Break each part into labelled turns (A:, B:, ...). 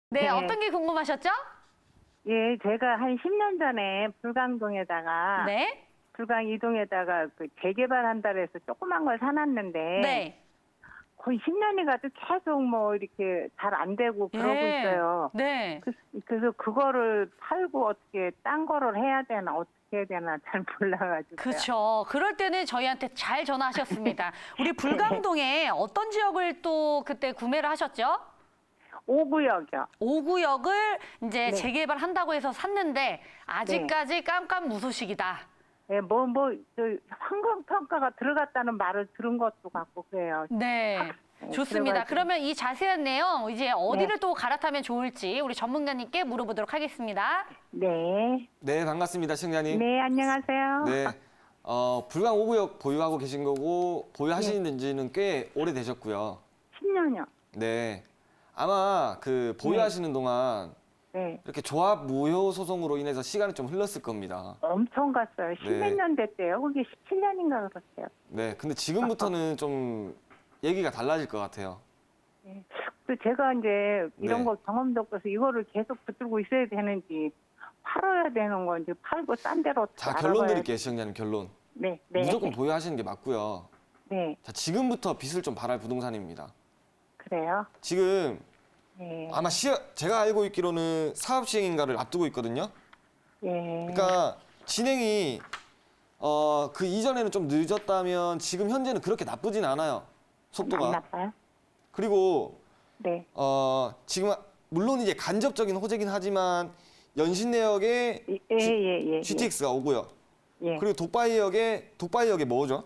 A: 네,
B: 네.
A: 어떤 게 궁금하셨죠?
B: 예, 제가 한 10년 전에 불광동에다가,
A: 네.
B: 불광 이동에다가 그 재개발한다고 해서 조그만 걸 사놨는데,
A: 네.
B: 거의 10년이 가도 계속 뭐 이렇게 잘 안 되고 그러고
A: 예.
B: 있어요.
A: 네.
B: 그래서 그거를 팔고 어떻게 딴 거를 해야 되나, 어떻게 해야 되나 잘 몰라가지고요.
A: 그렇죠. 그럴 때는 저희한테 잘 전화하셨습니다. 우리 불광동에 어떤 지역을 또 그때 구매를 하셨죠?
B: 5구역이요.
A: 5구역을 이제
B: 네.
A: 재개발한다고 해서 샀는데 아직까지 깜깜무소식이다.
B: 예, 저 환경평가가 들어갔다는 말을 들은 것도 같고 그래요.
A: 네.
B: 네,
A: 좋습니다.
B: 그래가지고.
A: 그러면 이 자세한 내용 이제 어디를 또 갈아타면 좋을지 우리 전문가님께 물어보도록 하겠습니다.
B: 네.
C: 네, 반갑습니다, 시청자님.
B: 네, 안녕하세요.
C: 네, 불광 5구역 보유하고 계신 거고 보유하시는 지는 꽤 오래되셨고요.
B: 10년이요.
C: 네, 아마 그 보유하시는 동안
B: 네.
C: 이렇게 조합 무효 소송으로 인해서 시간이 좀 흘렀을 겁니다.
B: 엄청 갔어요. 십몇
C: 네.
B: 년 됐대요. 그게 17년인가 그랬어요.
C: 네, 근데 지금부터는 좀 얘기가 달라질 것 같아요.
B: 네. 또 제가 이제 이런
C: 네.
B: 거 경험도 없어서 이거를 계속 붙들고 있어야 되는지 팔아야 되는 건지 팔고 딴 데로 어떻게
C: 자, 결론
B: 알아봐야-
C: 드릴게요, 시청자님, 결론.
B: 네, 네.
C: 무조건 보유하시는 게 맞고요.
B: 네,
C: 자, 지금부터 빚을 좀 발할 부동산입니다.
B: 그래요.
C: 지금
B: 네,
C: 아마 제가 알고 있기로는 사업 시행인가를 앞두고 있거든요.
B: 예.
C: 그러니까 진행이 그 이전에는 좀 늦었다면 지금 현재는 그렇게 나쁘진 않아요.
B: 안
C: 속도가.
B: 나빠요?
C: 그리고
B: 네,
C: 지금 물론 이제 간접적인 호재긴 하지만 연신내역에
B: 예.
C: GTX가 오고요.
B: 예.
C: 그리고 독바이역에 뭐죠?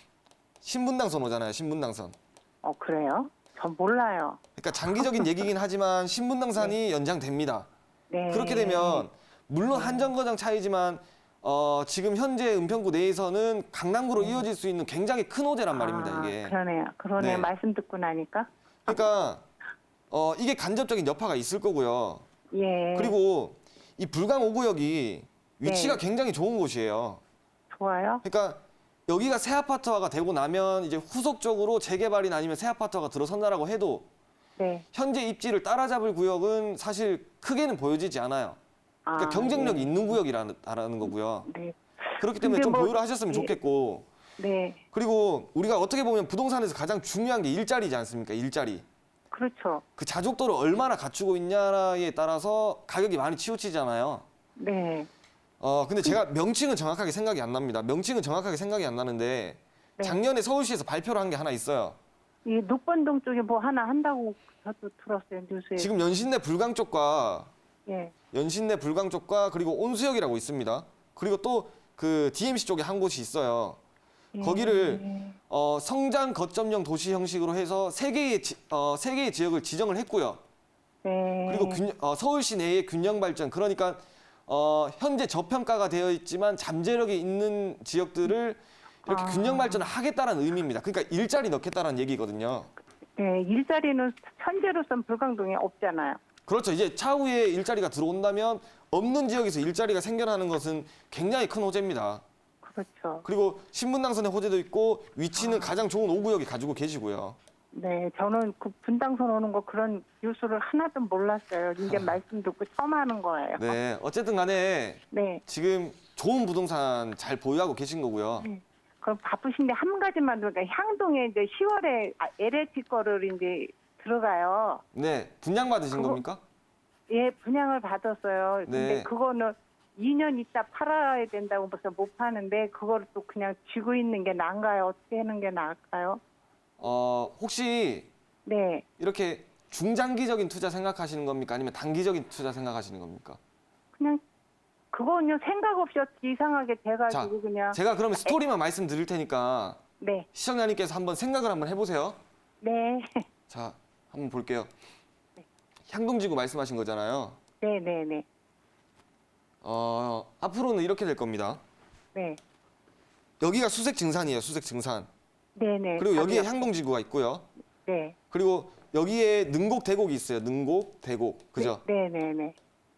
C: 신분당선 오잖아요. 신분당선.
B: 그래요? 전 몰라요.
C: 그러니까 장기적인 얘기긴 하지만 신분당선이 연장됩니다.
B: 네.
C: 그렇게 되면 물론 한정거장 차이지만 지금 현재 은평구 내에서는 강남구로 이어질 수 있는 굉장히 큰 호재란 말입니다. 이게.
B: 그러네요. 그러네.
C: 네.
B: 말씀 듣고 나니까.
C: 그러니까 이게 간접적인 여파가 있을 거고요.
B: 예.
C: 그리고 이 불광 5구역이 위치가
B: 네.
C: 굉장히 좋은 곳이에요.
B: 좋아요.
C: 그러니까 여기가 새 아파트화가 되고 나면 이제 후속적으로 재개발이나 아니면 새 아파트화가 들어선다라고 해도
B: 네.
C: 현재 입지를 따라잡을 구역은 사실 크게는 보여지지 않아요. 그러니까 경쟁력이
B: 네.
C: 있는 구역이라는 거고요.
B: 네.
C: 그렇기 때문에
B: 근데
C: 좀
B: 뭐-
C: 보유를 하셨으면
B: 예.
C: 좋겠고
B: 네.
C: 그리고 우리가 어떻게 보면 부동산에서 가장 중요한 게 일자리지 않습니까? 일자리.
B: 그렇죠.
C: 그 자족도를 얼마나 갖추고 있냐에 따라서 가격이 많이 치우치잖아요.
B: 네.
C: 근데 제가 명칭은 정확하게 생각이 안 납니다. 명칭은 정확하게 생각이 안 나는데
B: 네.
C: 작년에 서울시에서 발표를 한 게 하나 있어요.
B: 이 녹번동 쪽에 뭐 하나 한다고 저도 들었어요. 뉴스에.
C: 지금 연신내 불광 쪽과
B: 예.
C: 그리고 온수역이라고 있습니다. 그리고 또 그 DMC 쪽에 한 곳이 있어요. 거기를 성장 거점형 도시 형식으로 해서 세 개의 지역을 지정을 했고요.
B: 네.
C: 그리고 서울시 내의 균형 발전, 그러니까 현재 저평가가 되어 있지만 잠재력이 있는 지역들을 이렇게 균형 발전을 하겠다는 의미입니다. 그러니까 일자리 넣겠다는 얘기거든요.
B: 네. 일자리는 현재로선 불광동에 없잖아요.
C: 그렇죠. 이제 차후에 일자리가 들어온다면 없는 지역에서 일자리가 생겨나는 것은 굉장히 큰 호재입니다.
B: 그렇죠.
C: 그리고 신분당선의 호재도 있고 위치는 가장 좋은 5구역에 가지고 계시고요.
B: 네. 저는 그 분당선 오는 거 그런 뉴스를 하나도 몰랐어요. 이제 말씀 듣고 처음 하는 거예요.
C: 네, 어쨌든 간에
B: 네.
C: 지금 좋은 부동산 잘 보유하고 계신 거고요.
B: 그럼 바쁘신데 한 가지만 그러니까 향동에 이제 10월에 LH 거를 이제 들어가요.
C: 네, 분양 받으신
B: 그거-
C: 겁니까?
B: 예, 분양을 받았어요. 근데
C: 네.
B: 그거는 2년 있다 팔아야 된다고 벌써 못 파는데 그거를 또 그냥 쥐고 있는 게 나은가요? 어떻게 하는 게 나을까요?
C: 혹시
B: 네.
C: 이렇게 중장기적인 투자 생각하시는 겁니까? 아니면 단기적인 투자 생각하시는 겁니까?
B: 그냥 그거는요 생각 없이 어떻게 이상하게
C: 자,
B: 돼가지고 그냥
C: 제가 그러면 스토리만 말씀드릴 테니까
B: 네.
C: 시청자님께서 한번 생각을 한번 해보세요.
B: 네.
C: 자, 한번 볼게요. 향동지구 말씀하신 거잖아요.
B: 네네네.
C: 앞으로는 이렇게 될 겁니다.
B: 네.
C: 여기가 수색 증산이에요, 수색 증산.
B: 네네.
C: 그리고 여기에
B: 답이요.
C: 향동지구가 있고요.
B: 네.
C: 그리고 여기에 능곡, 대곡이 있어요. 능곡, 대곡. 그죠?
B: 네네네.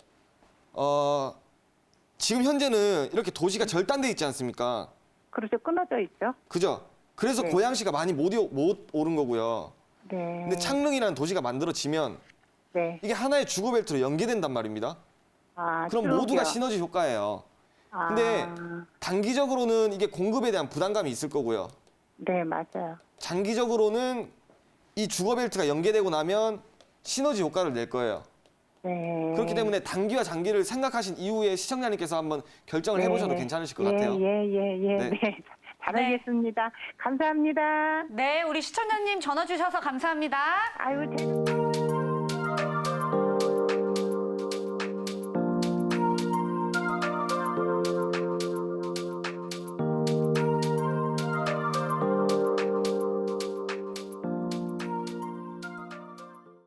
C: 지금 현재는 이렇게 도시가 절단돼 있지 않습니까?
B: 그렇죠. 끊어져 있죠.
C: 그죠? 그래서
B: 네.
C: 고양시가 많이 못 오른 거고요.
B: 네.
C: 근데 창릉이라는 도시가 만들어지면
B: 네.
C: 이게 하나의 주거 벨트로 연계된단 말입니다.
B: 아,
C: 그럼
B: 트럭이요.
C: 모두가 시너지 효과예요.
B: 아,
C: 근데 단기적으로는 이게 공급에 대한 부담감이 있을 거고요.
B: 네, 맞아요.
C: 장기적으로는 이 주거 벨트가 연계되고 나면 시너지 효과를 낼 거예요.
B: 네.
C: 그렇기 때문에 단기와 장기를 생각하신 이후에 시청자님께서 한번 결정을 해보셔도 괜찮으실 것 같아요.
B: 예.
C: 네.
B: 네. 잘하겠습니다. 감사합니다.
A: 네, 우리 시청자님 전화 주셔서 감사합니다.
B: 아유,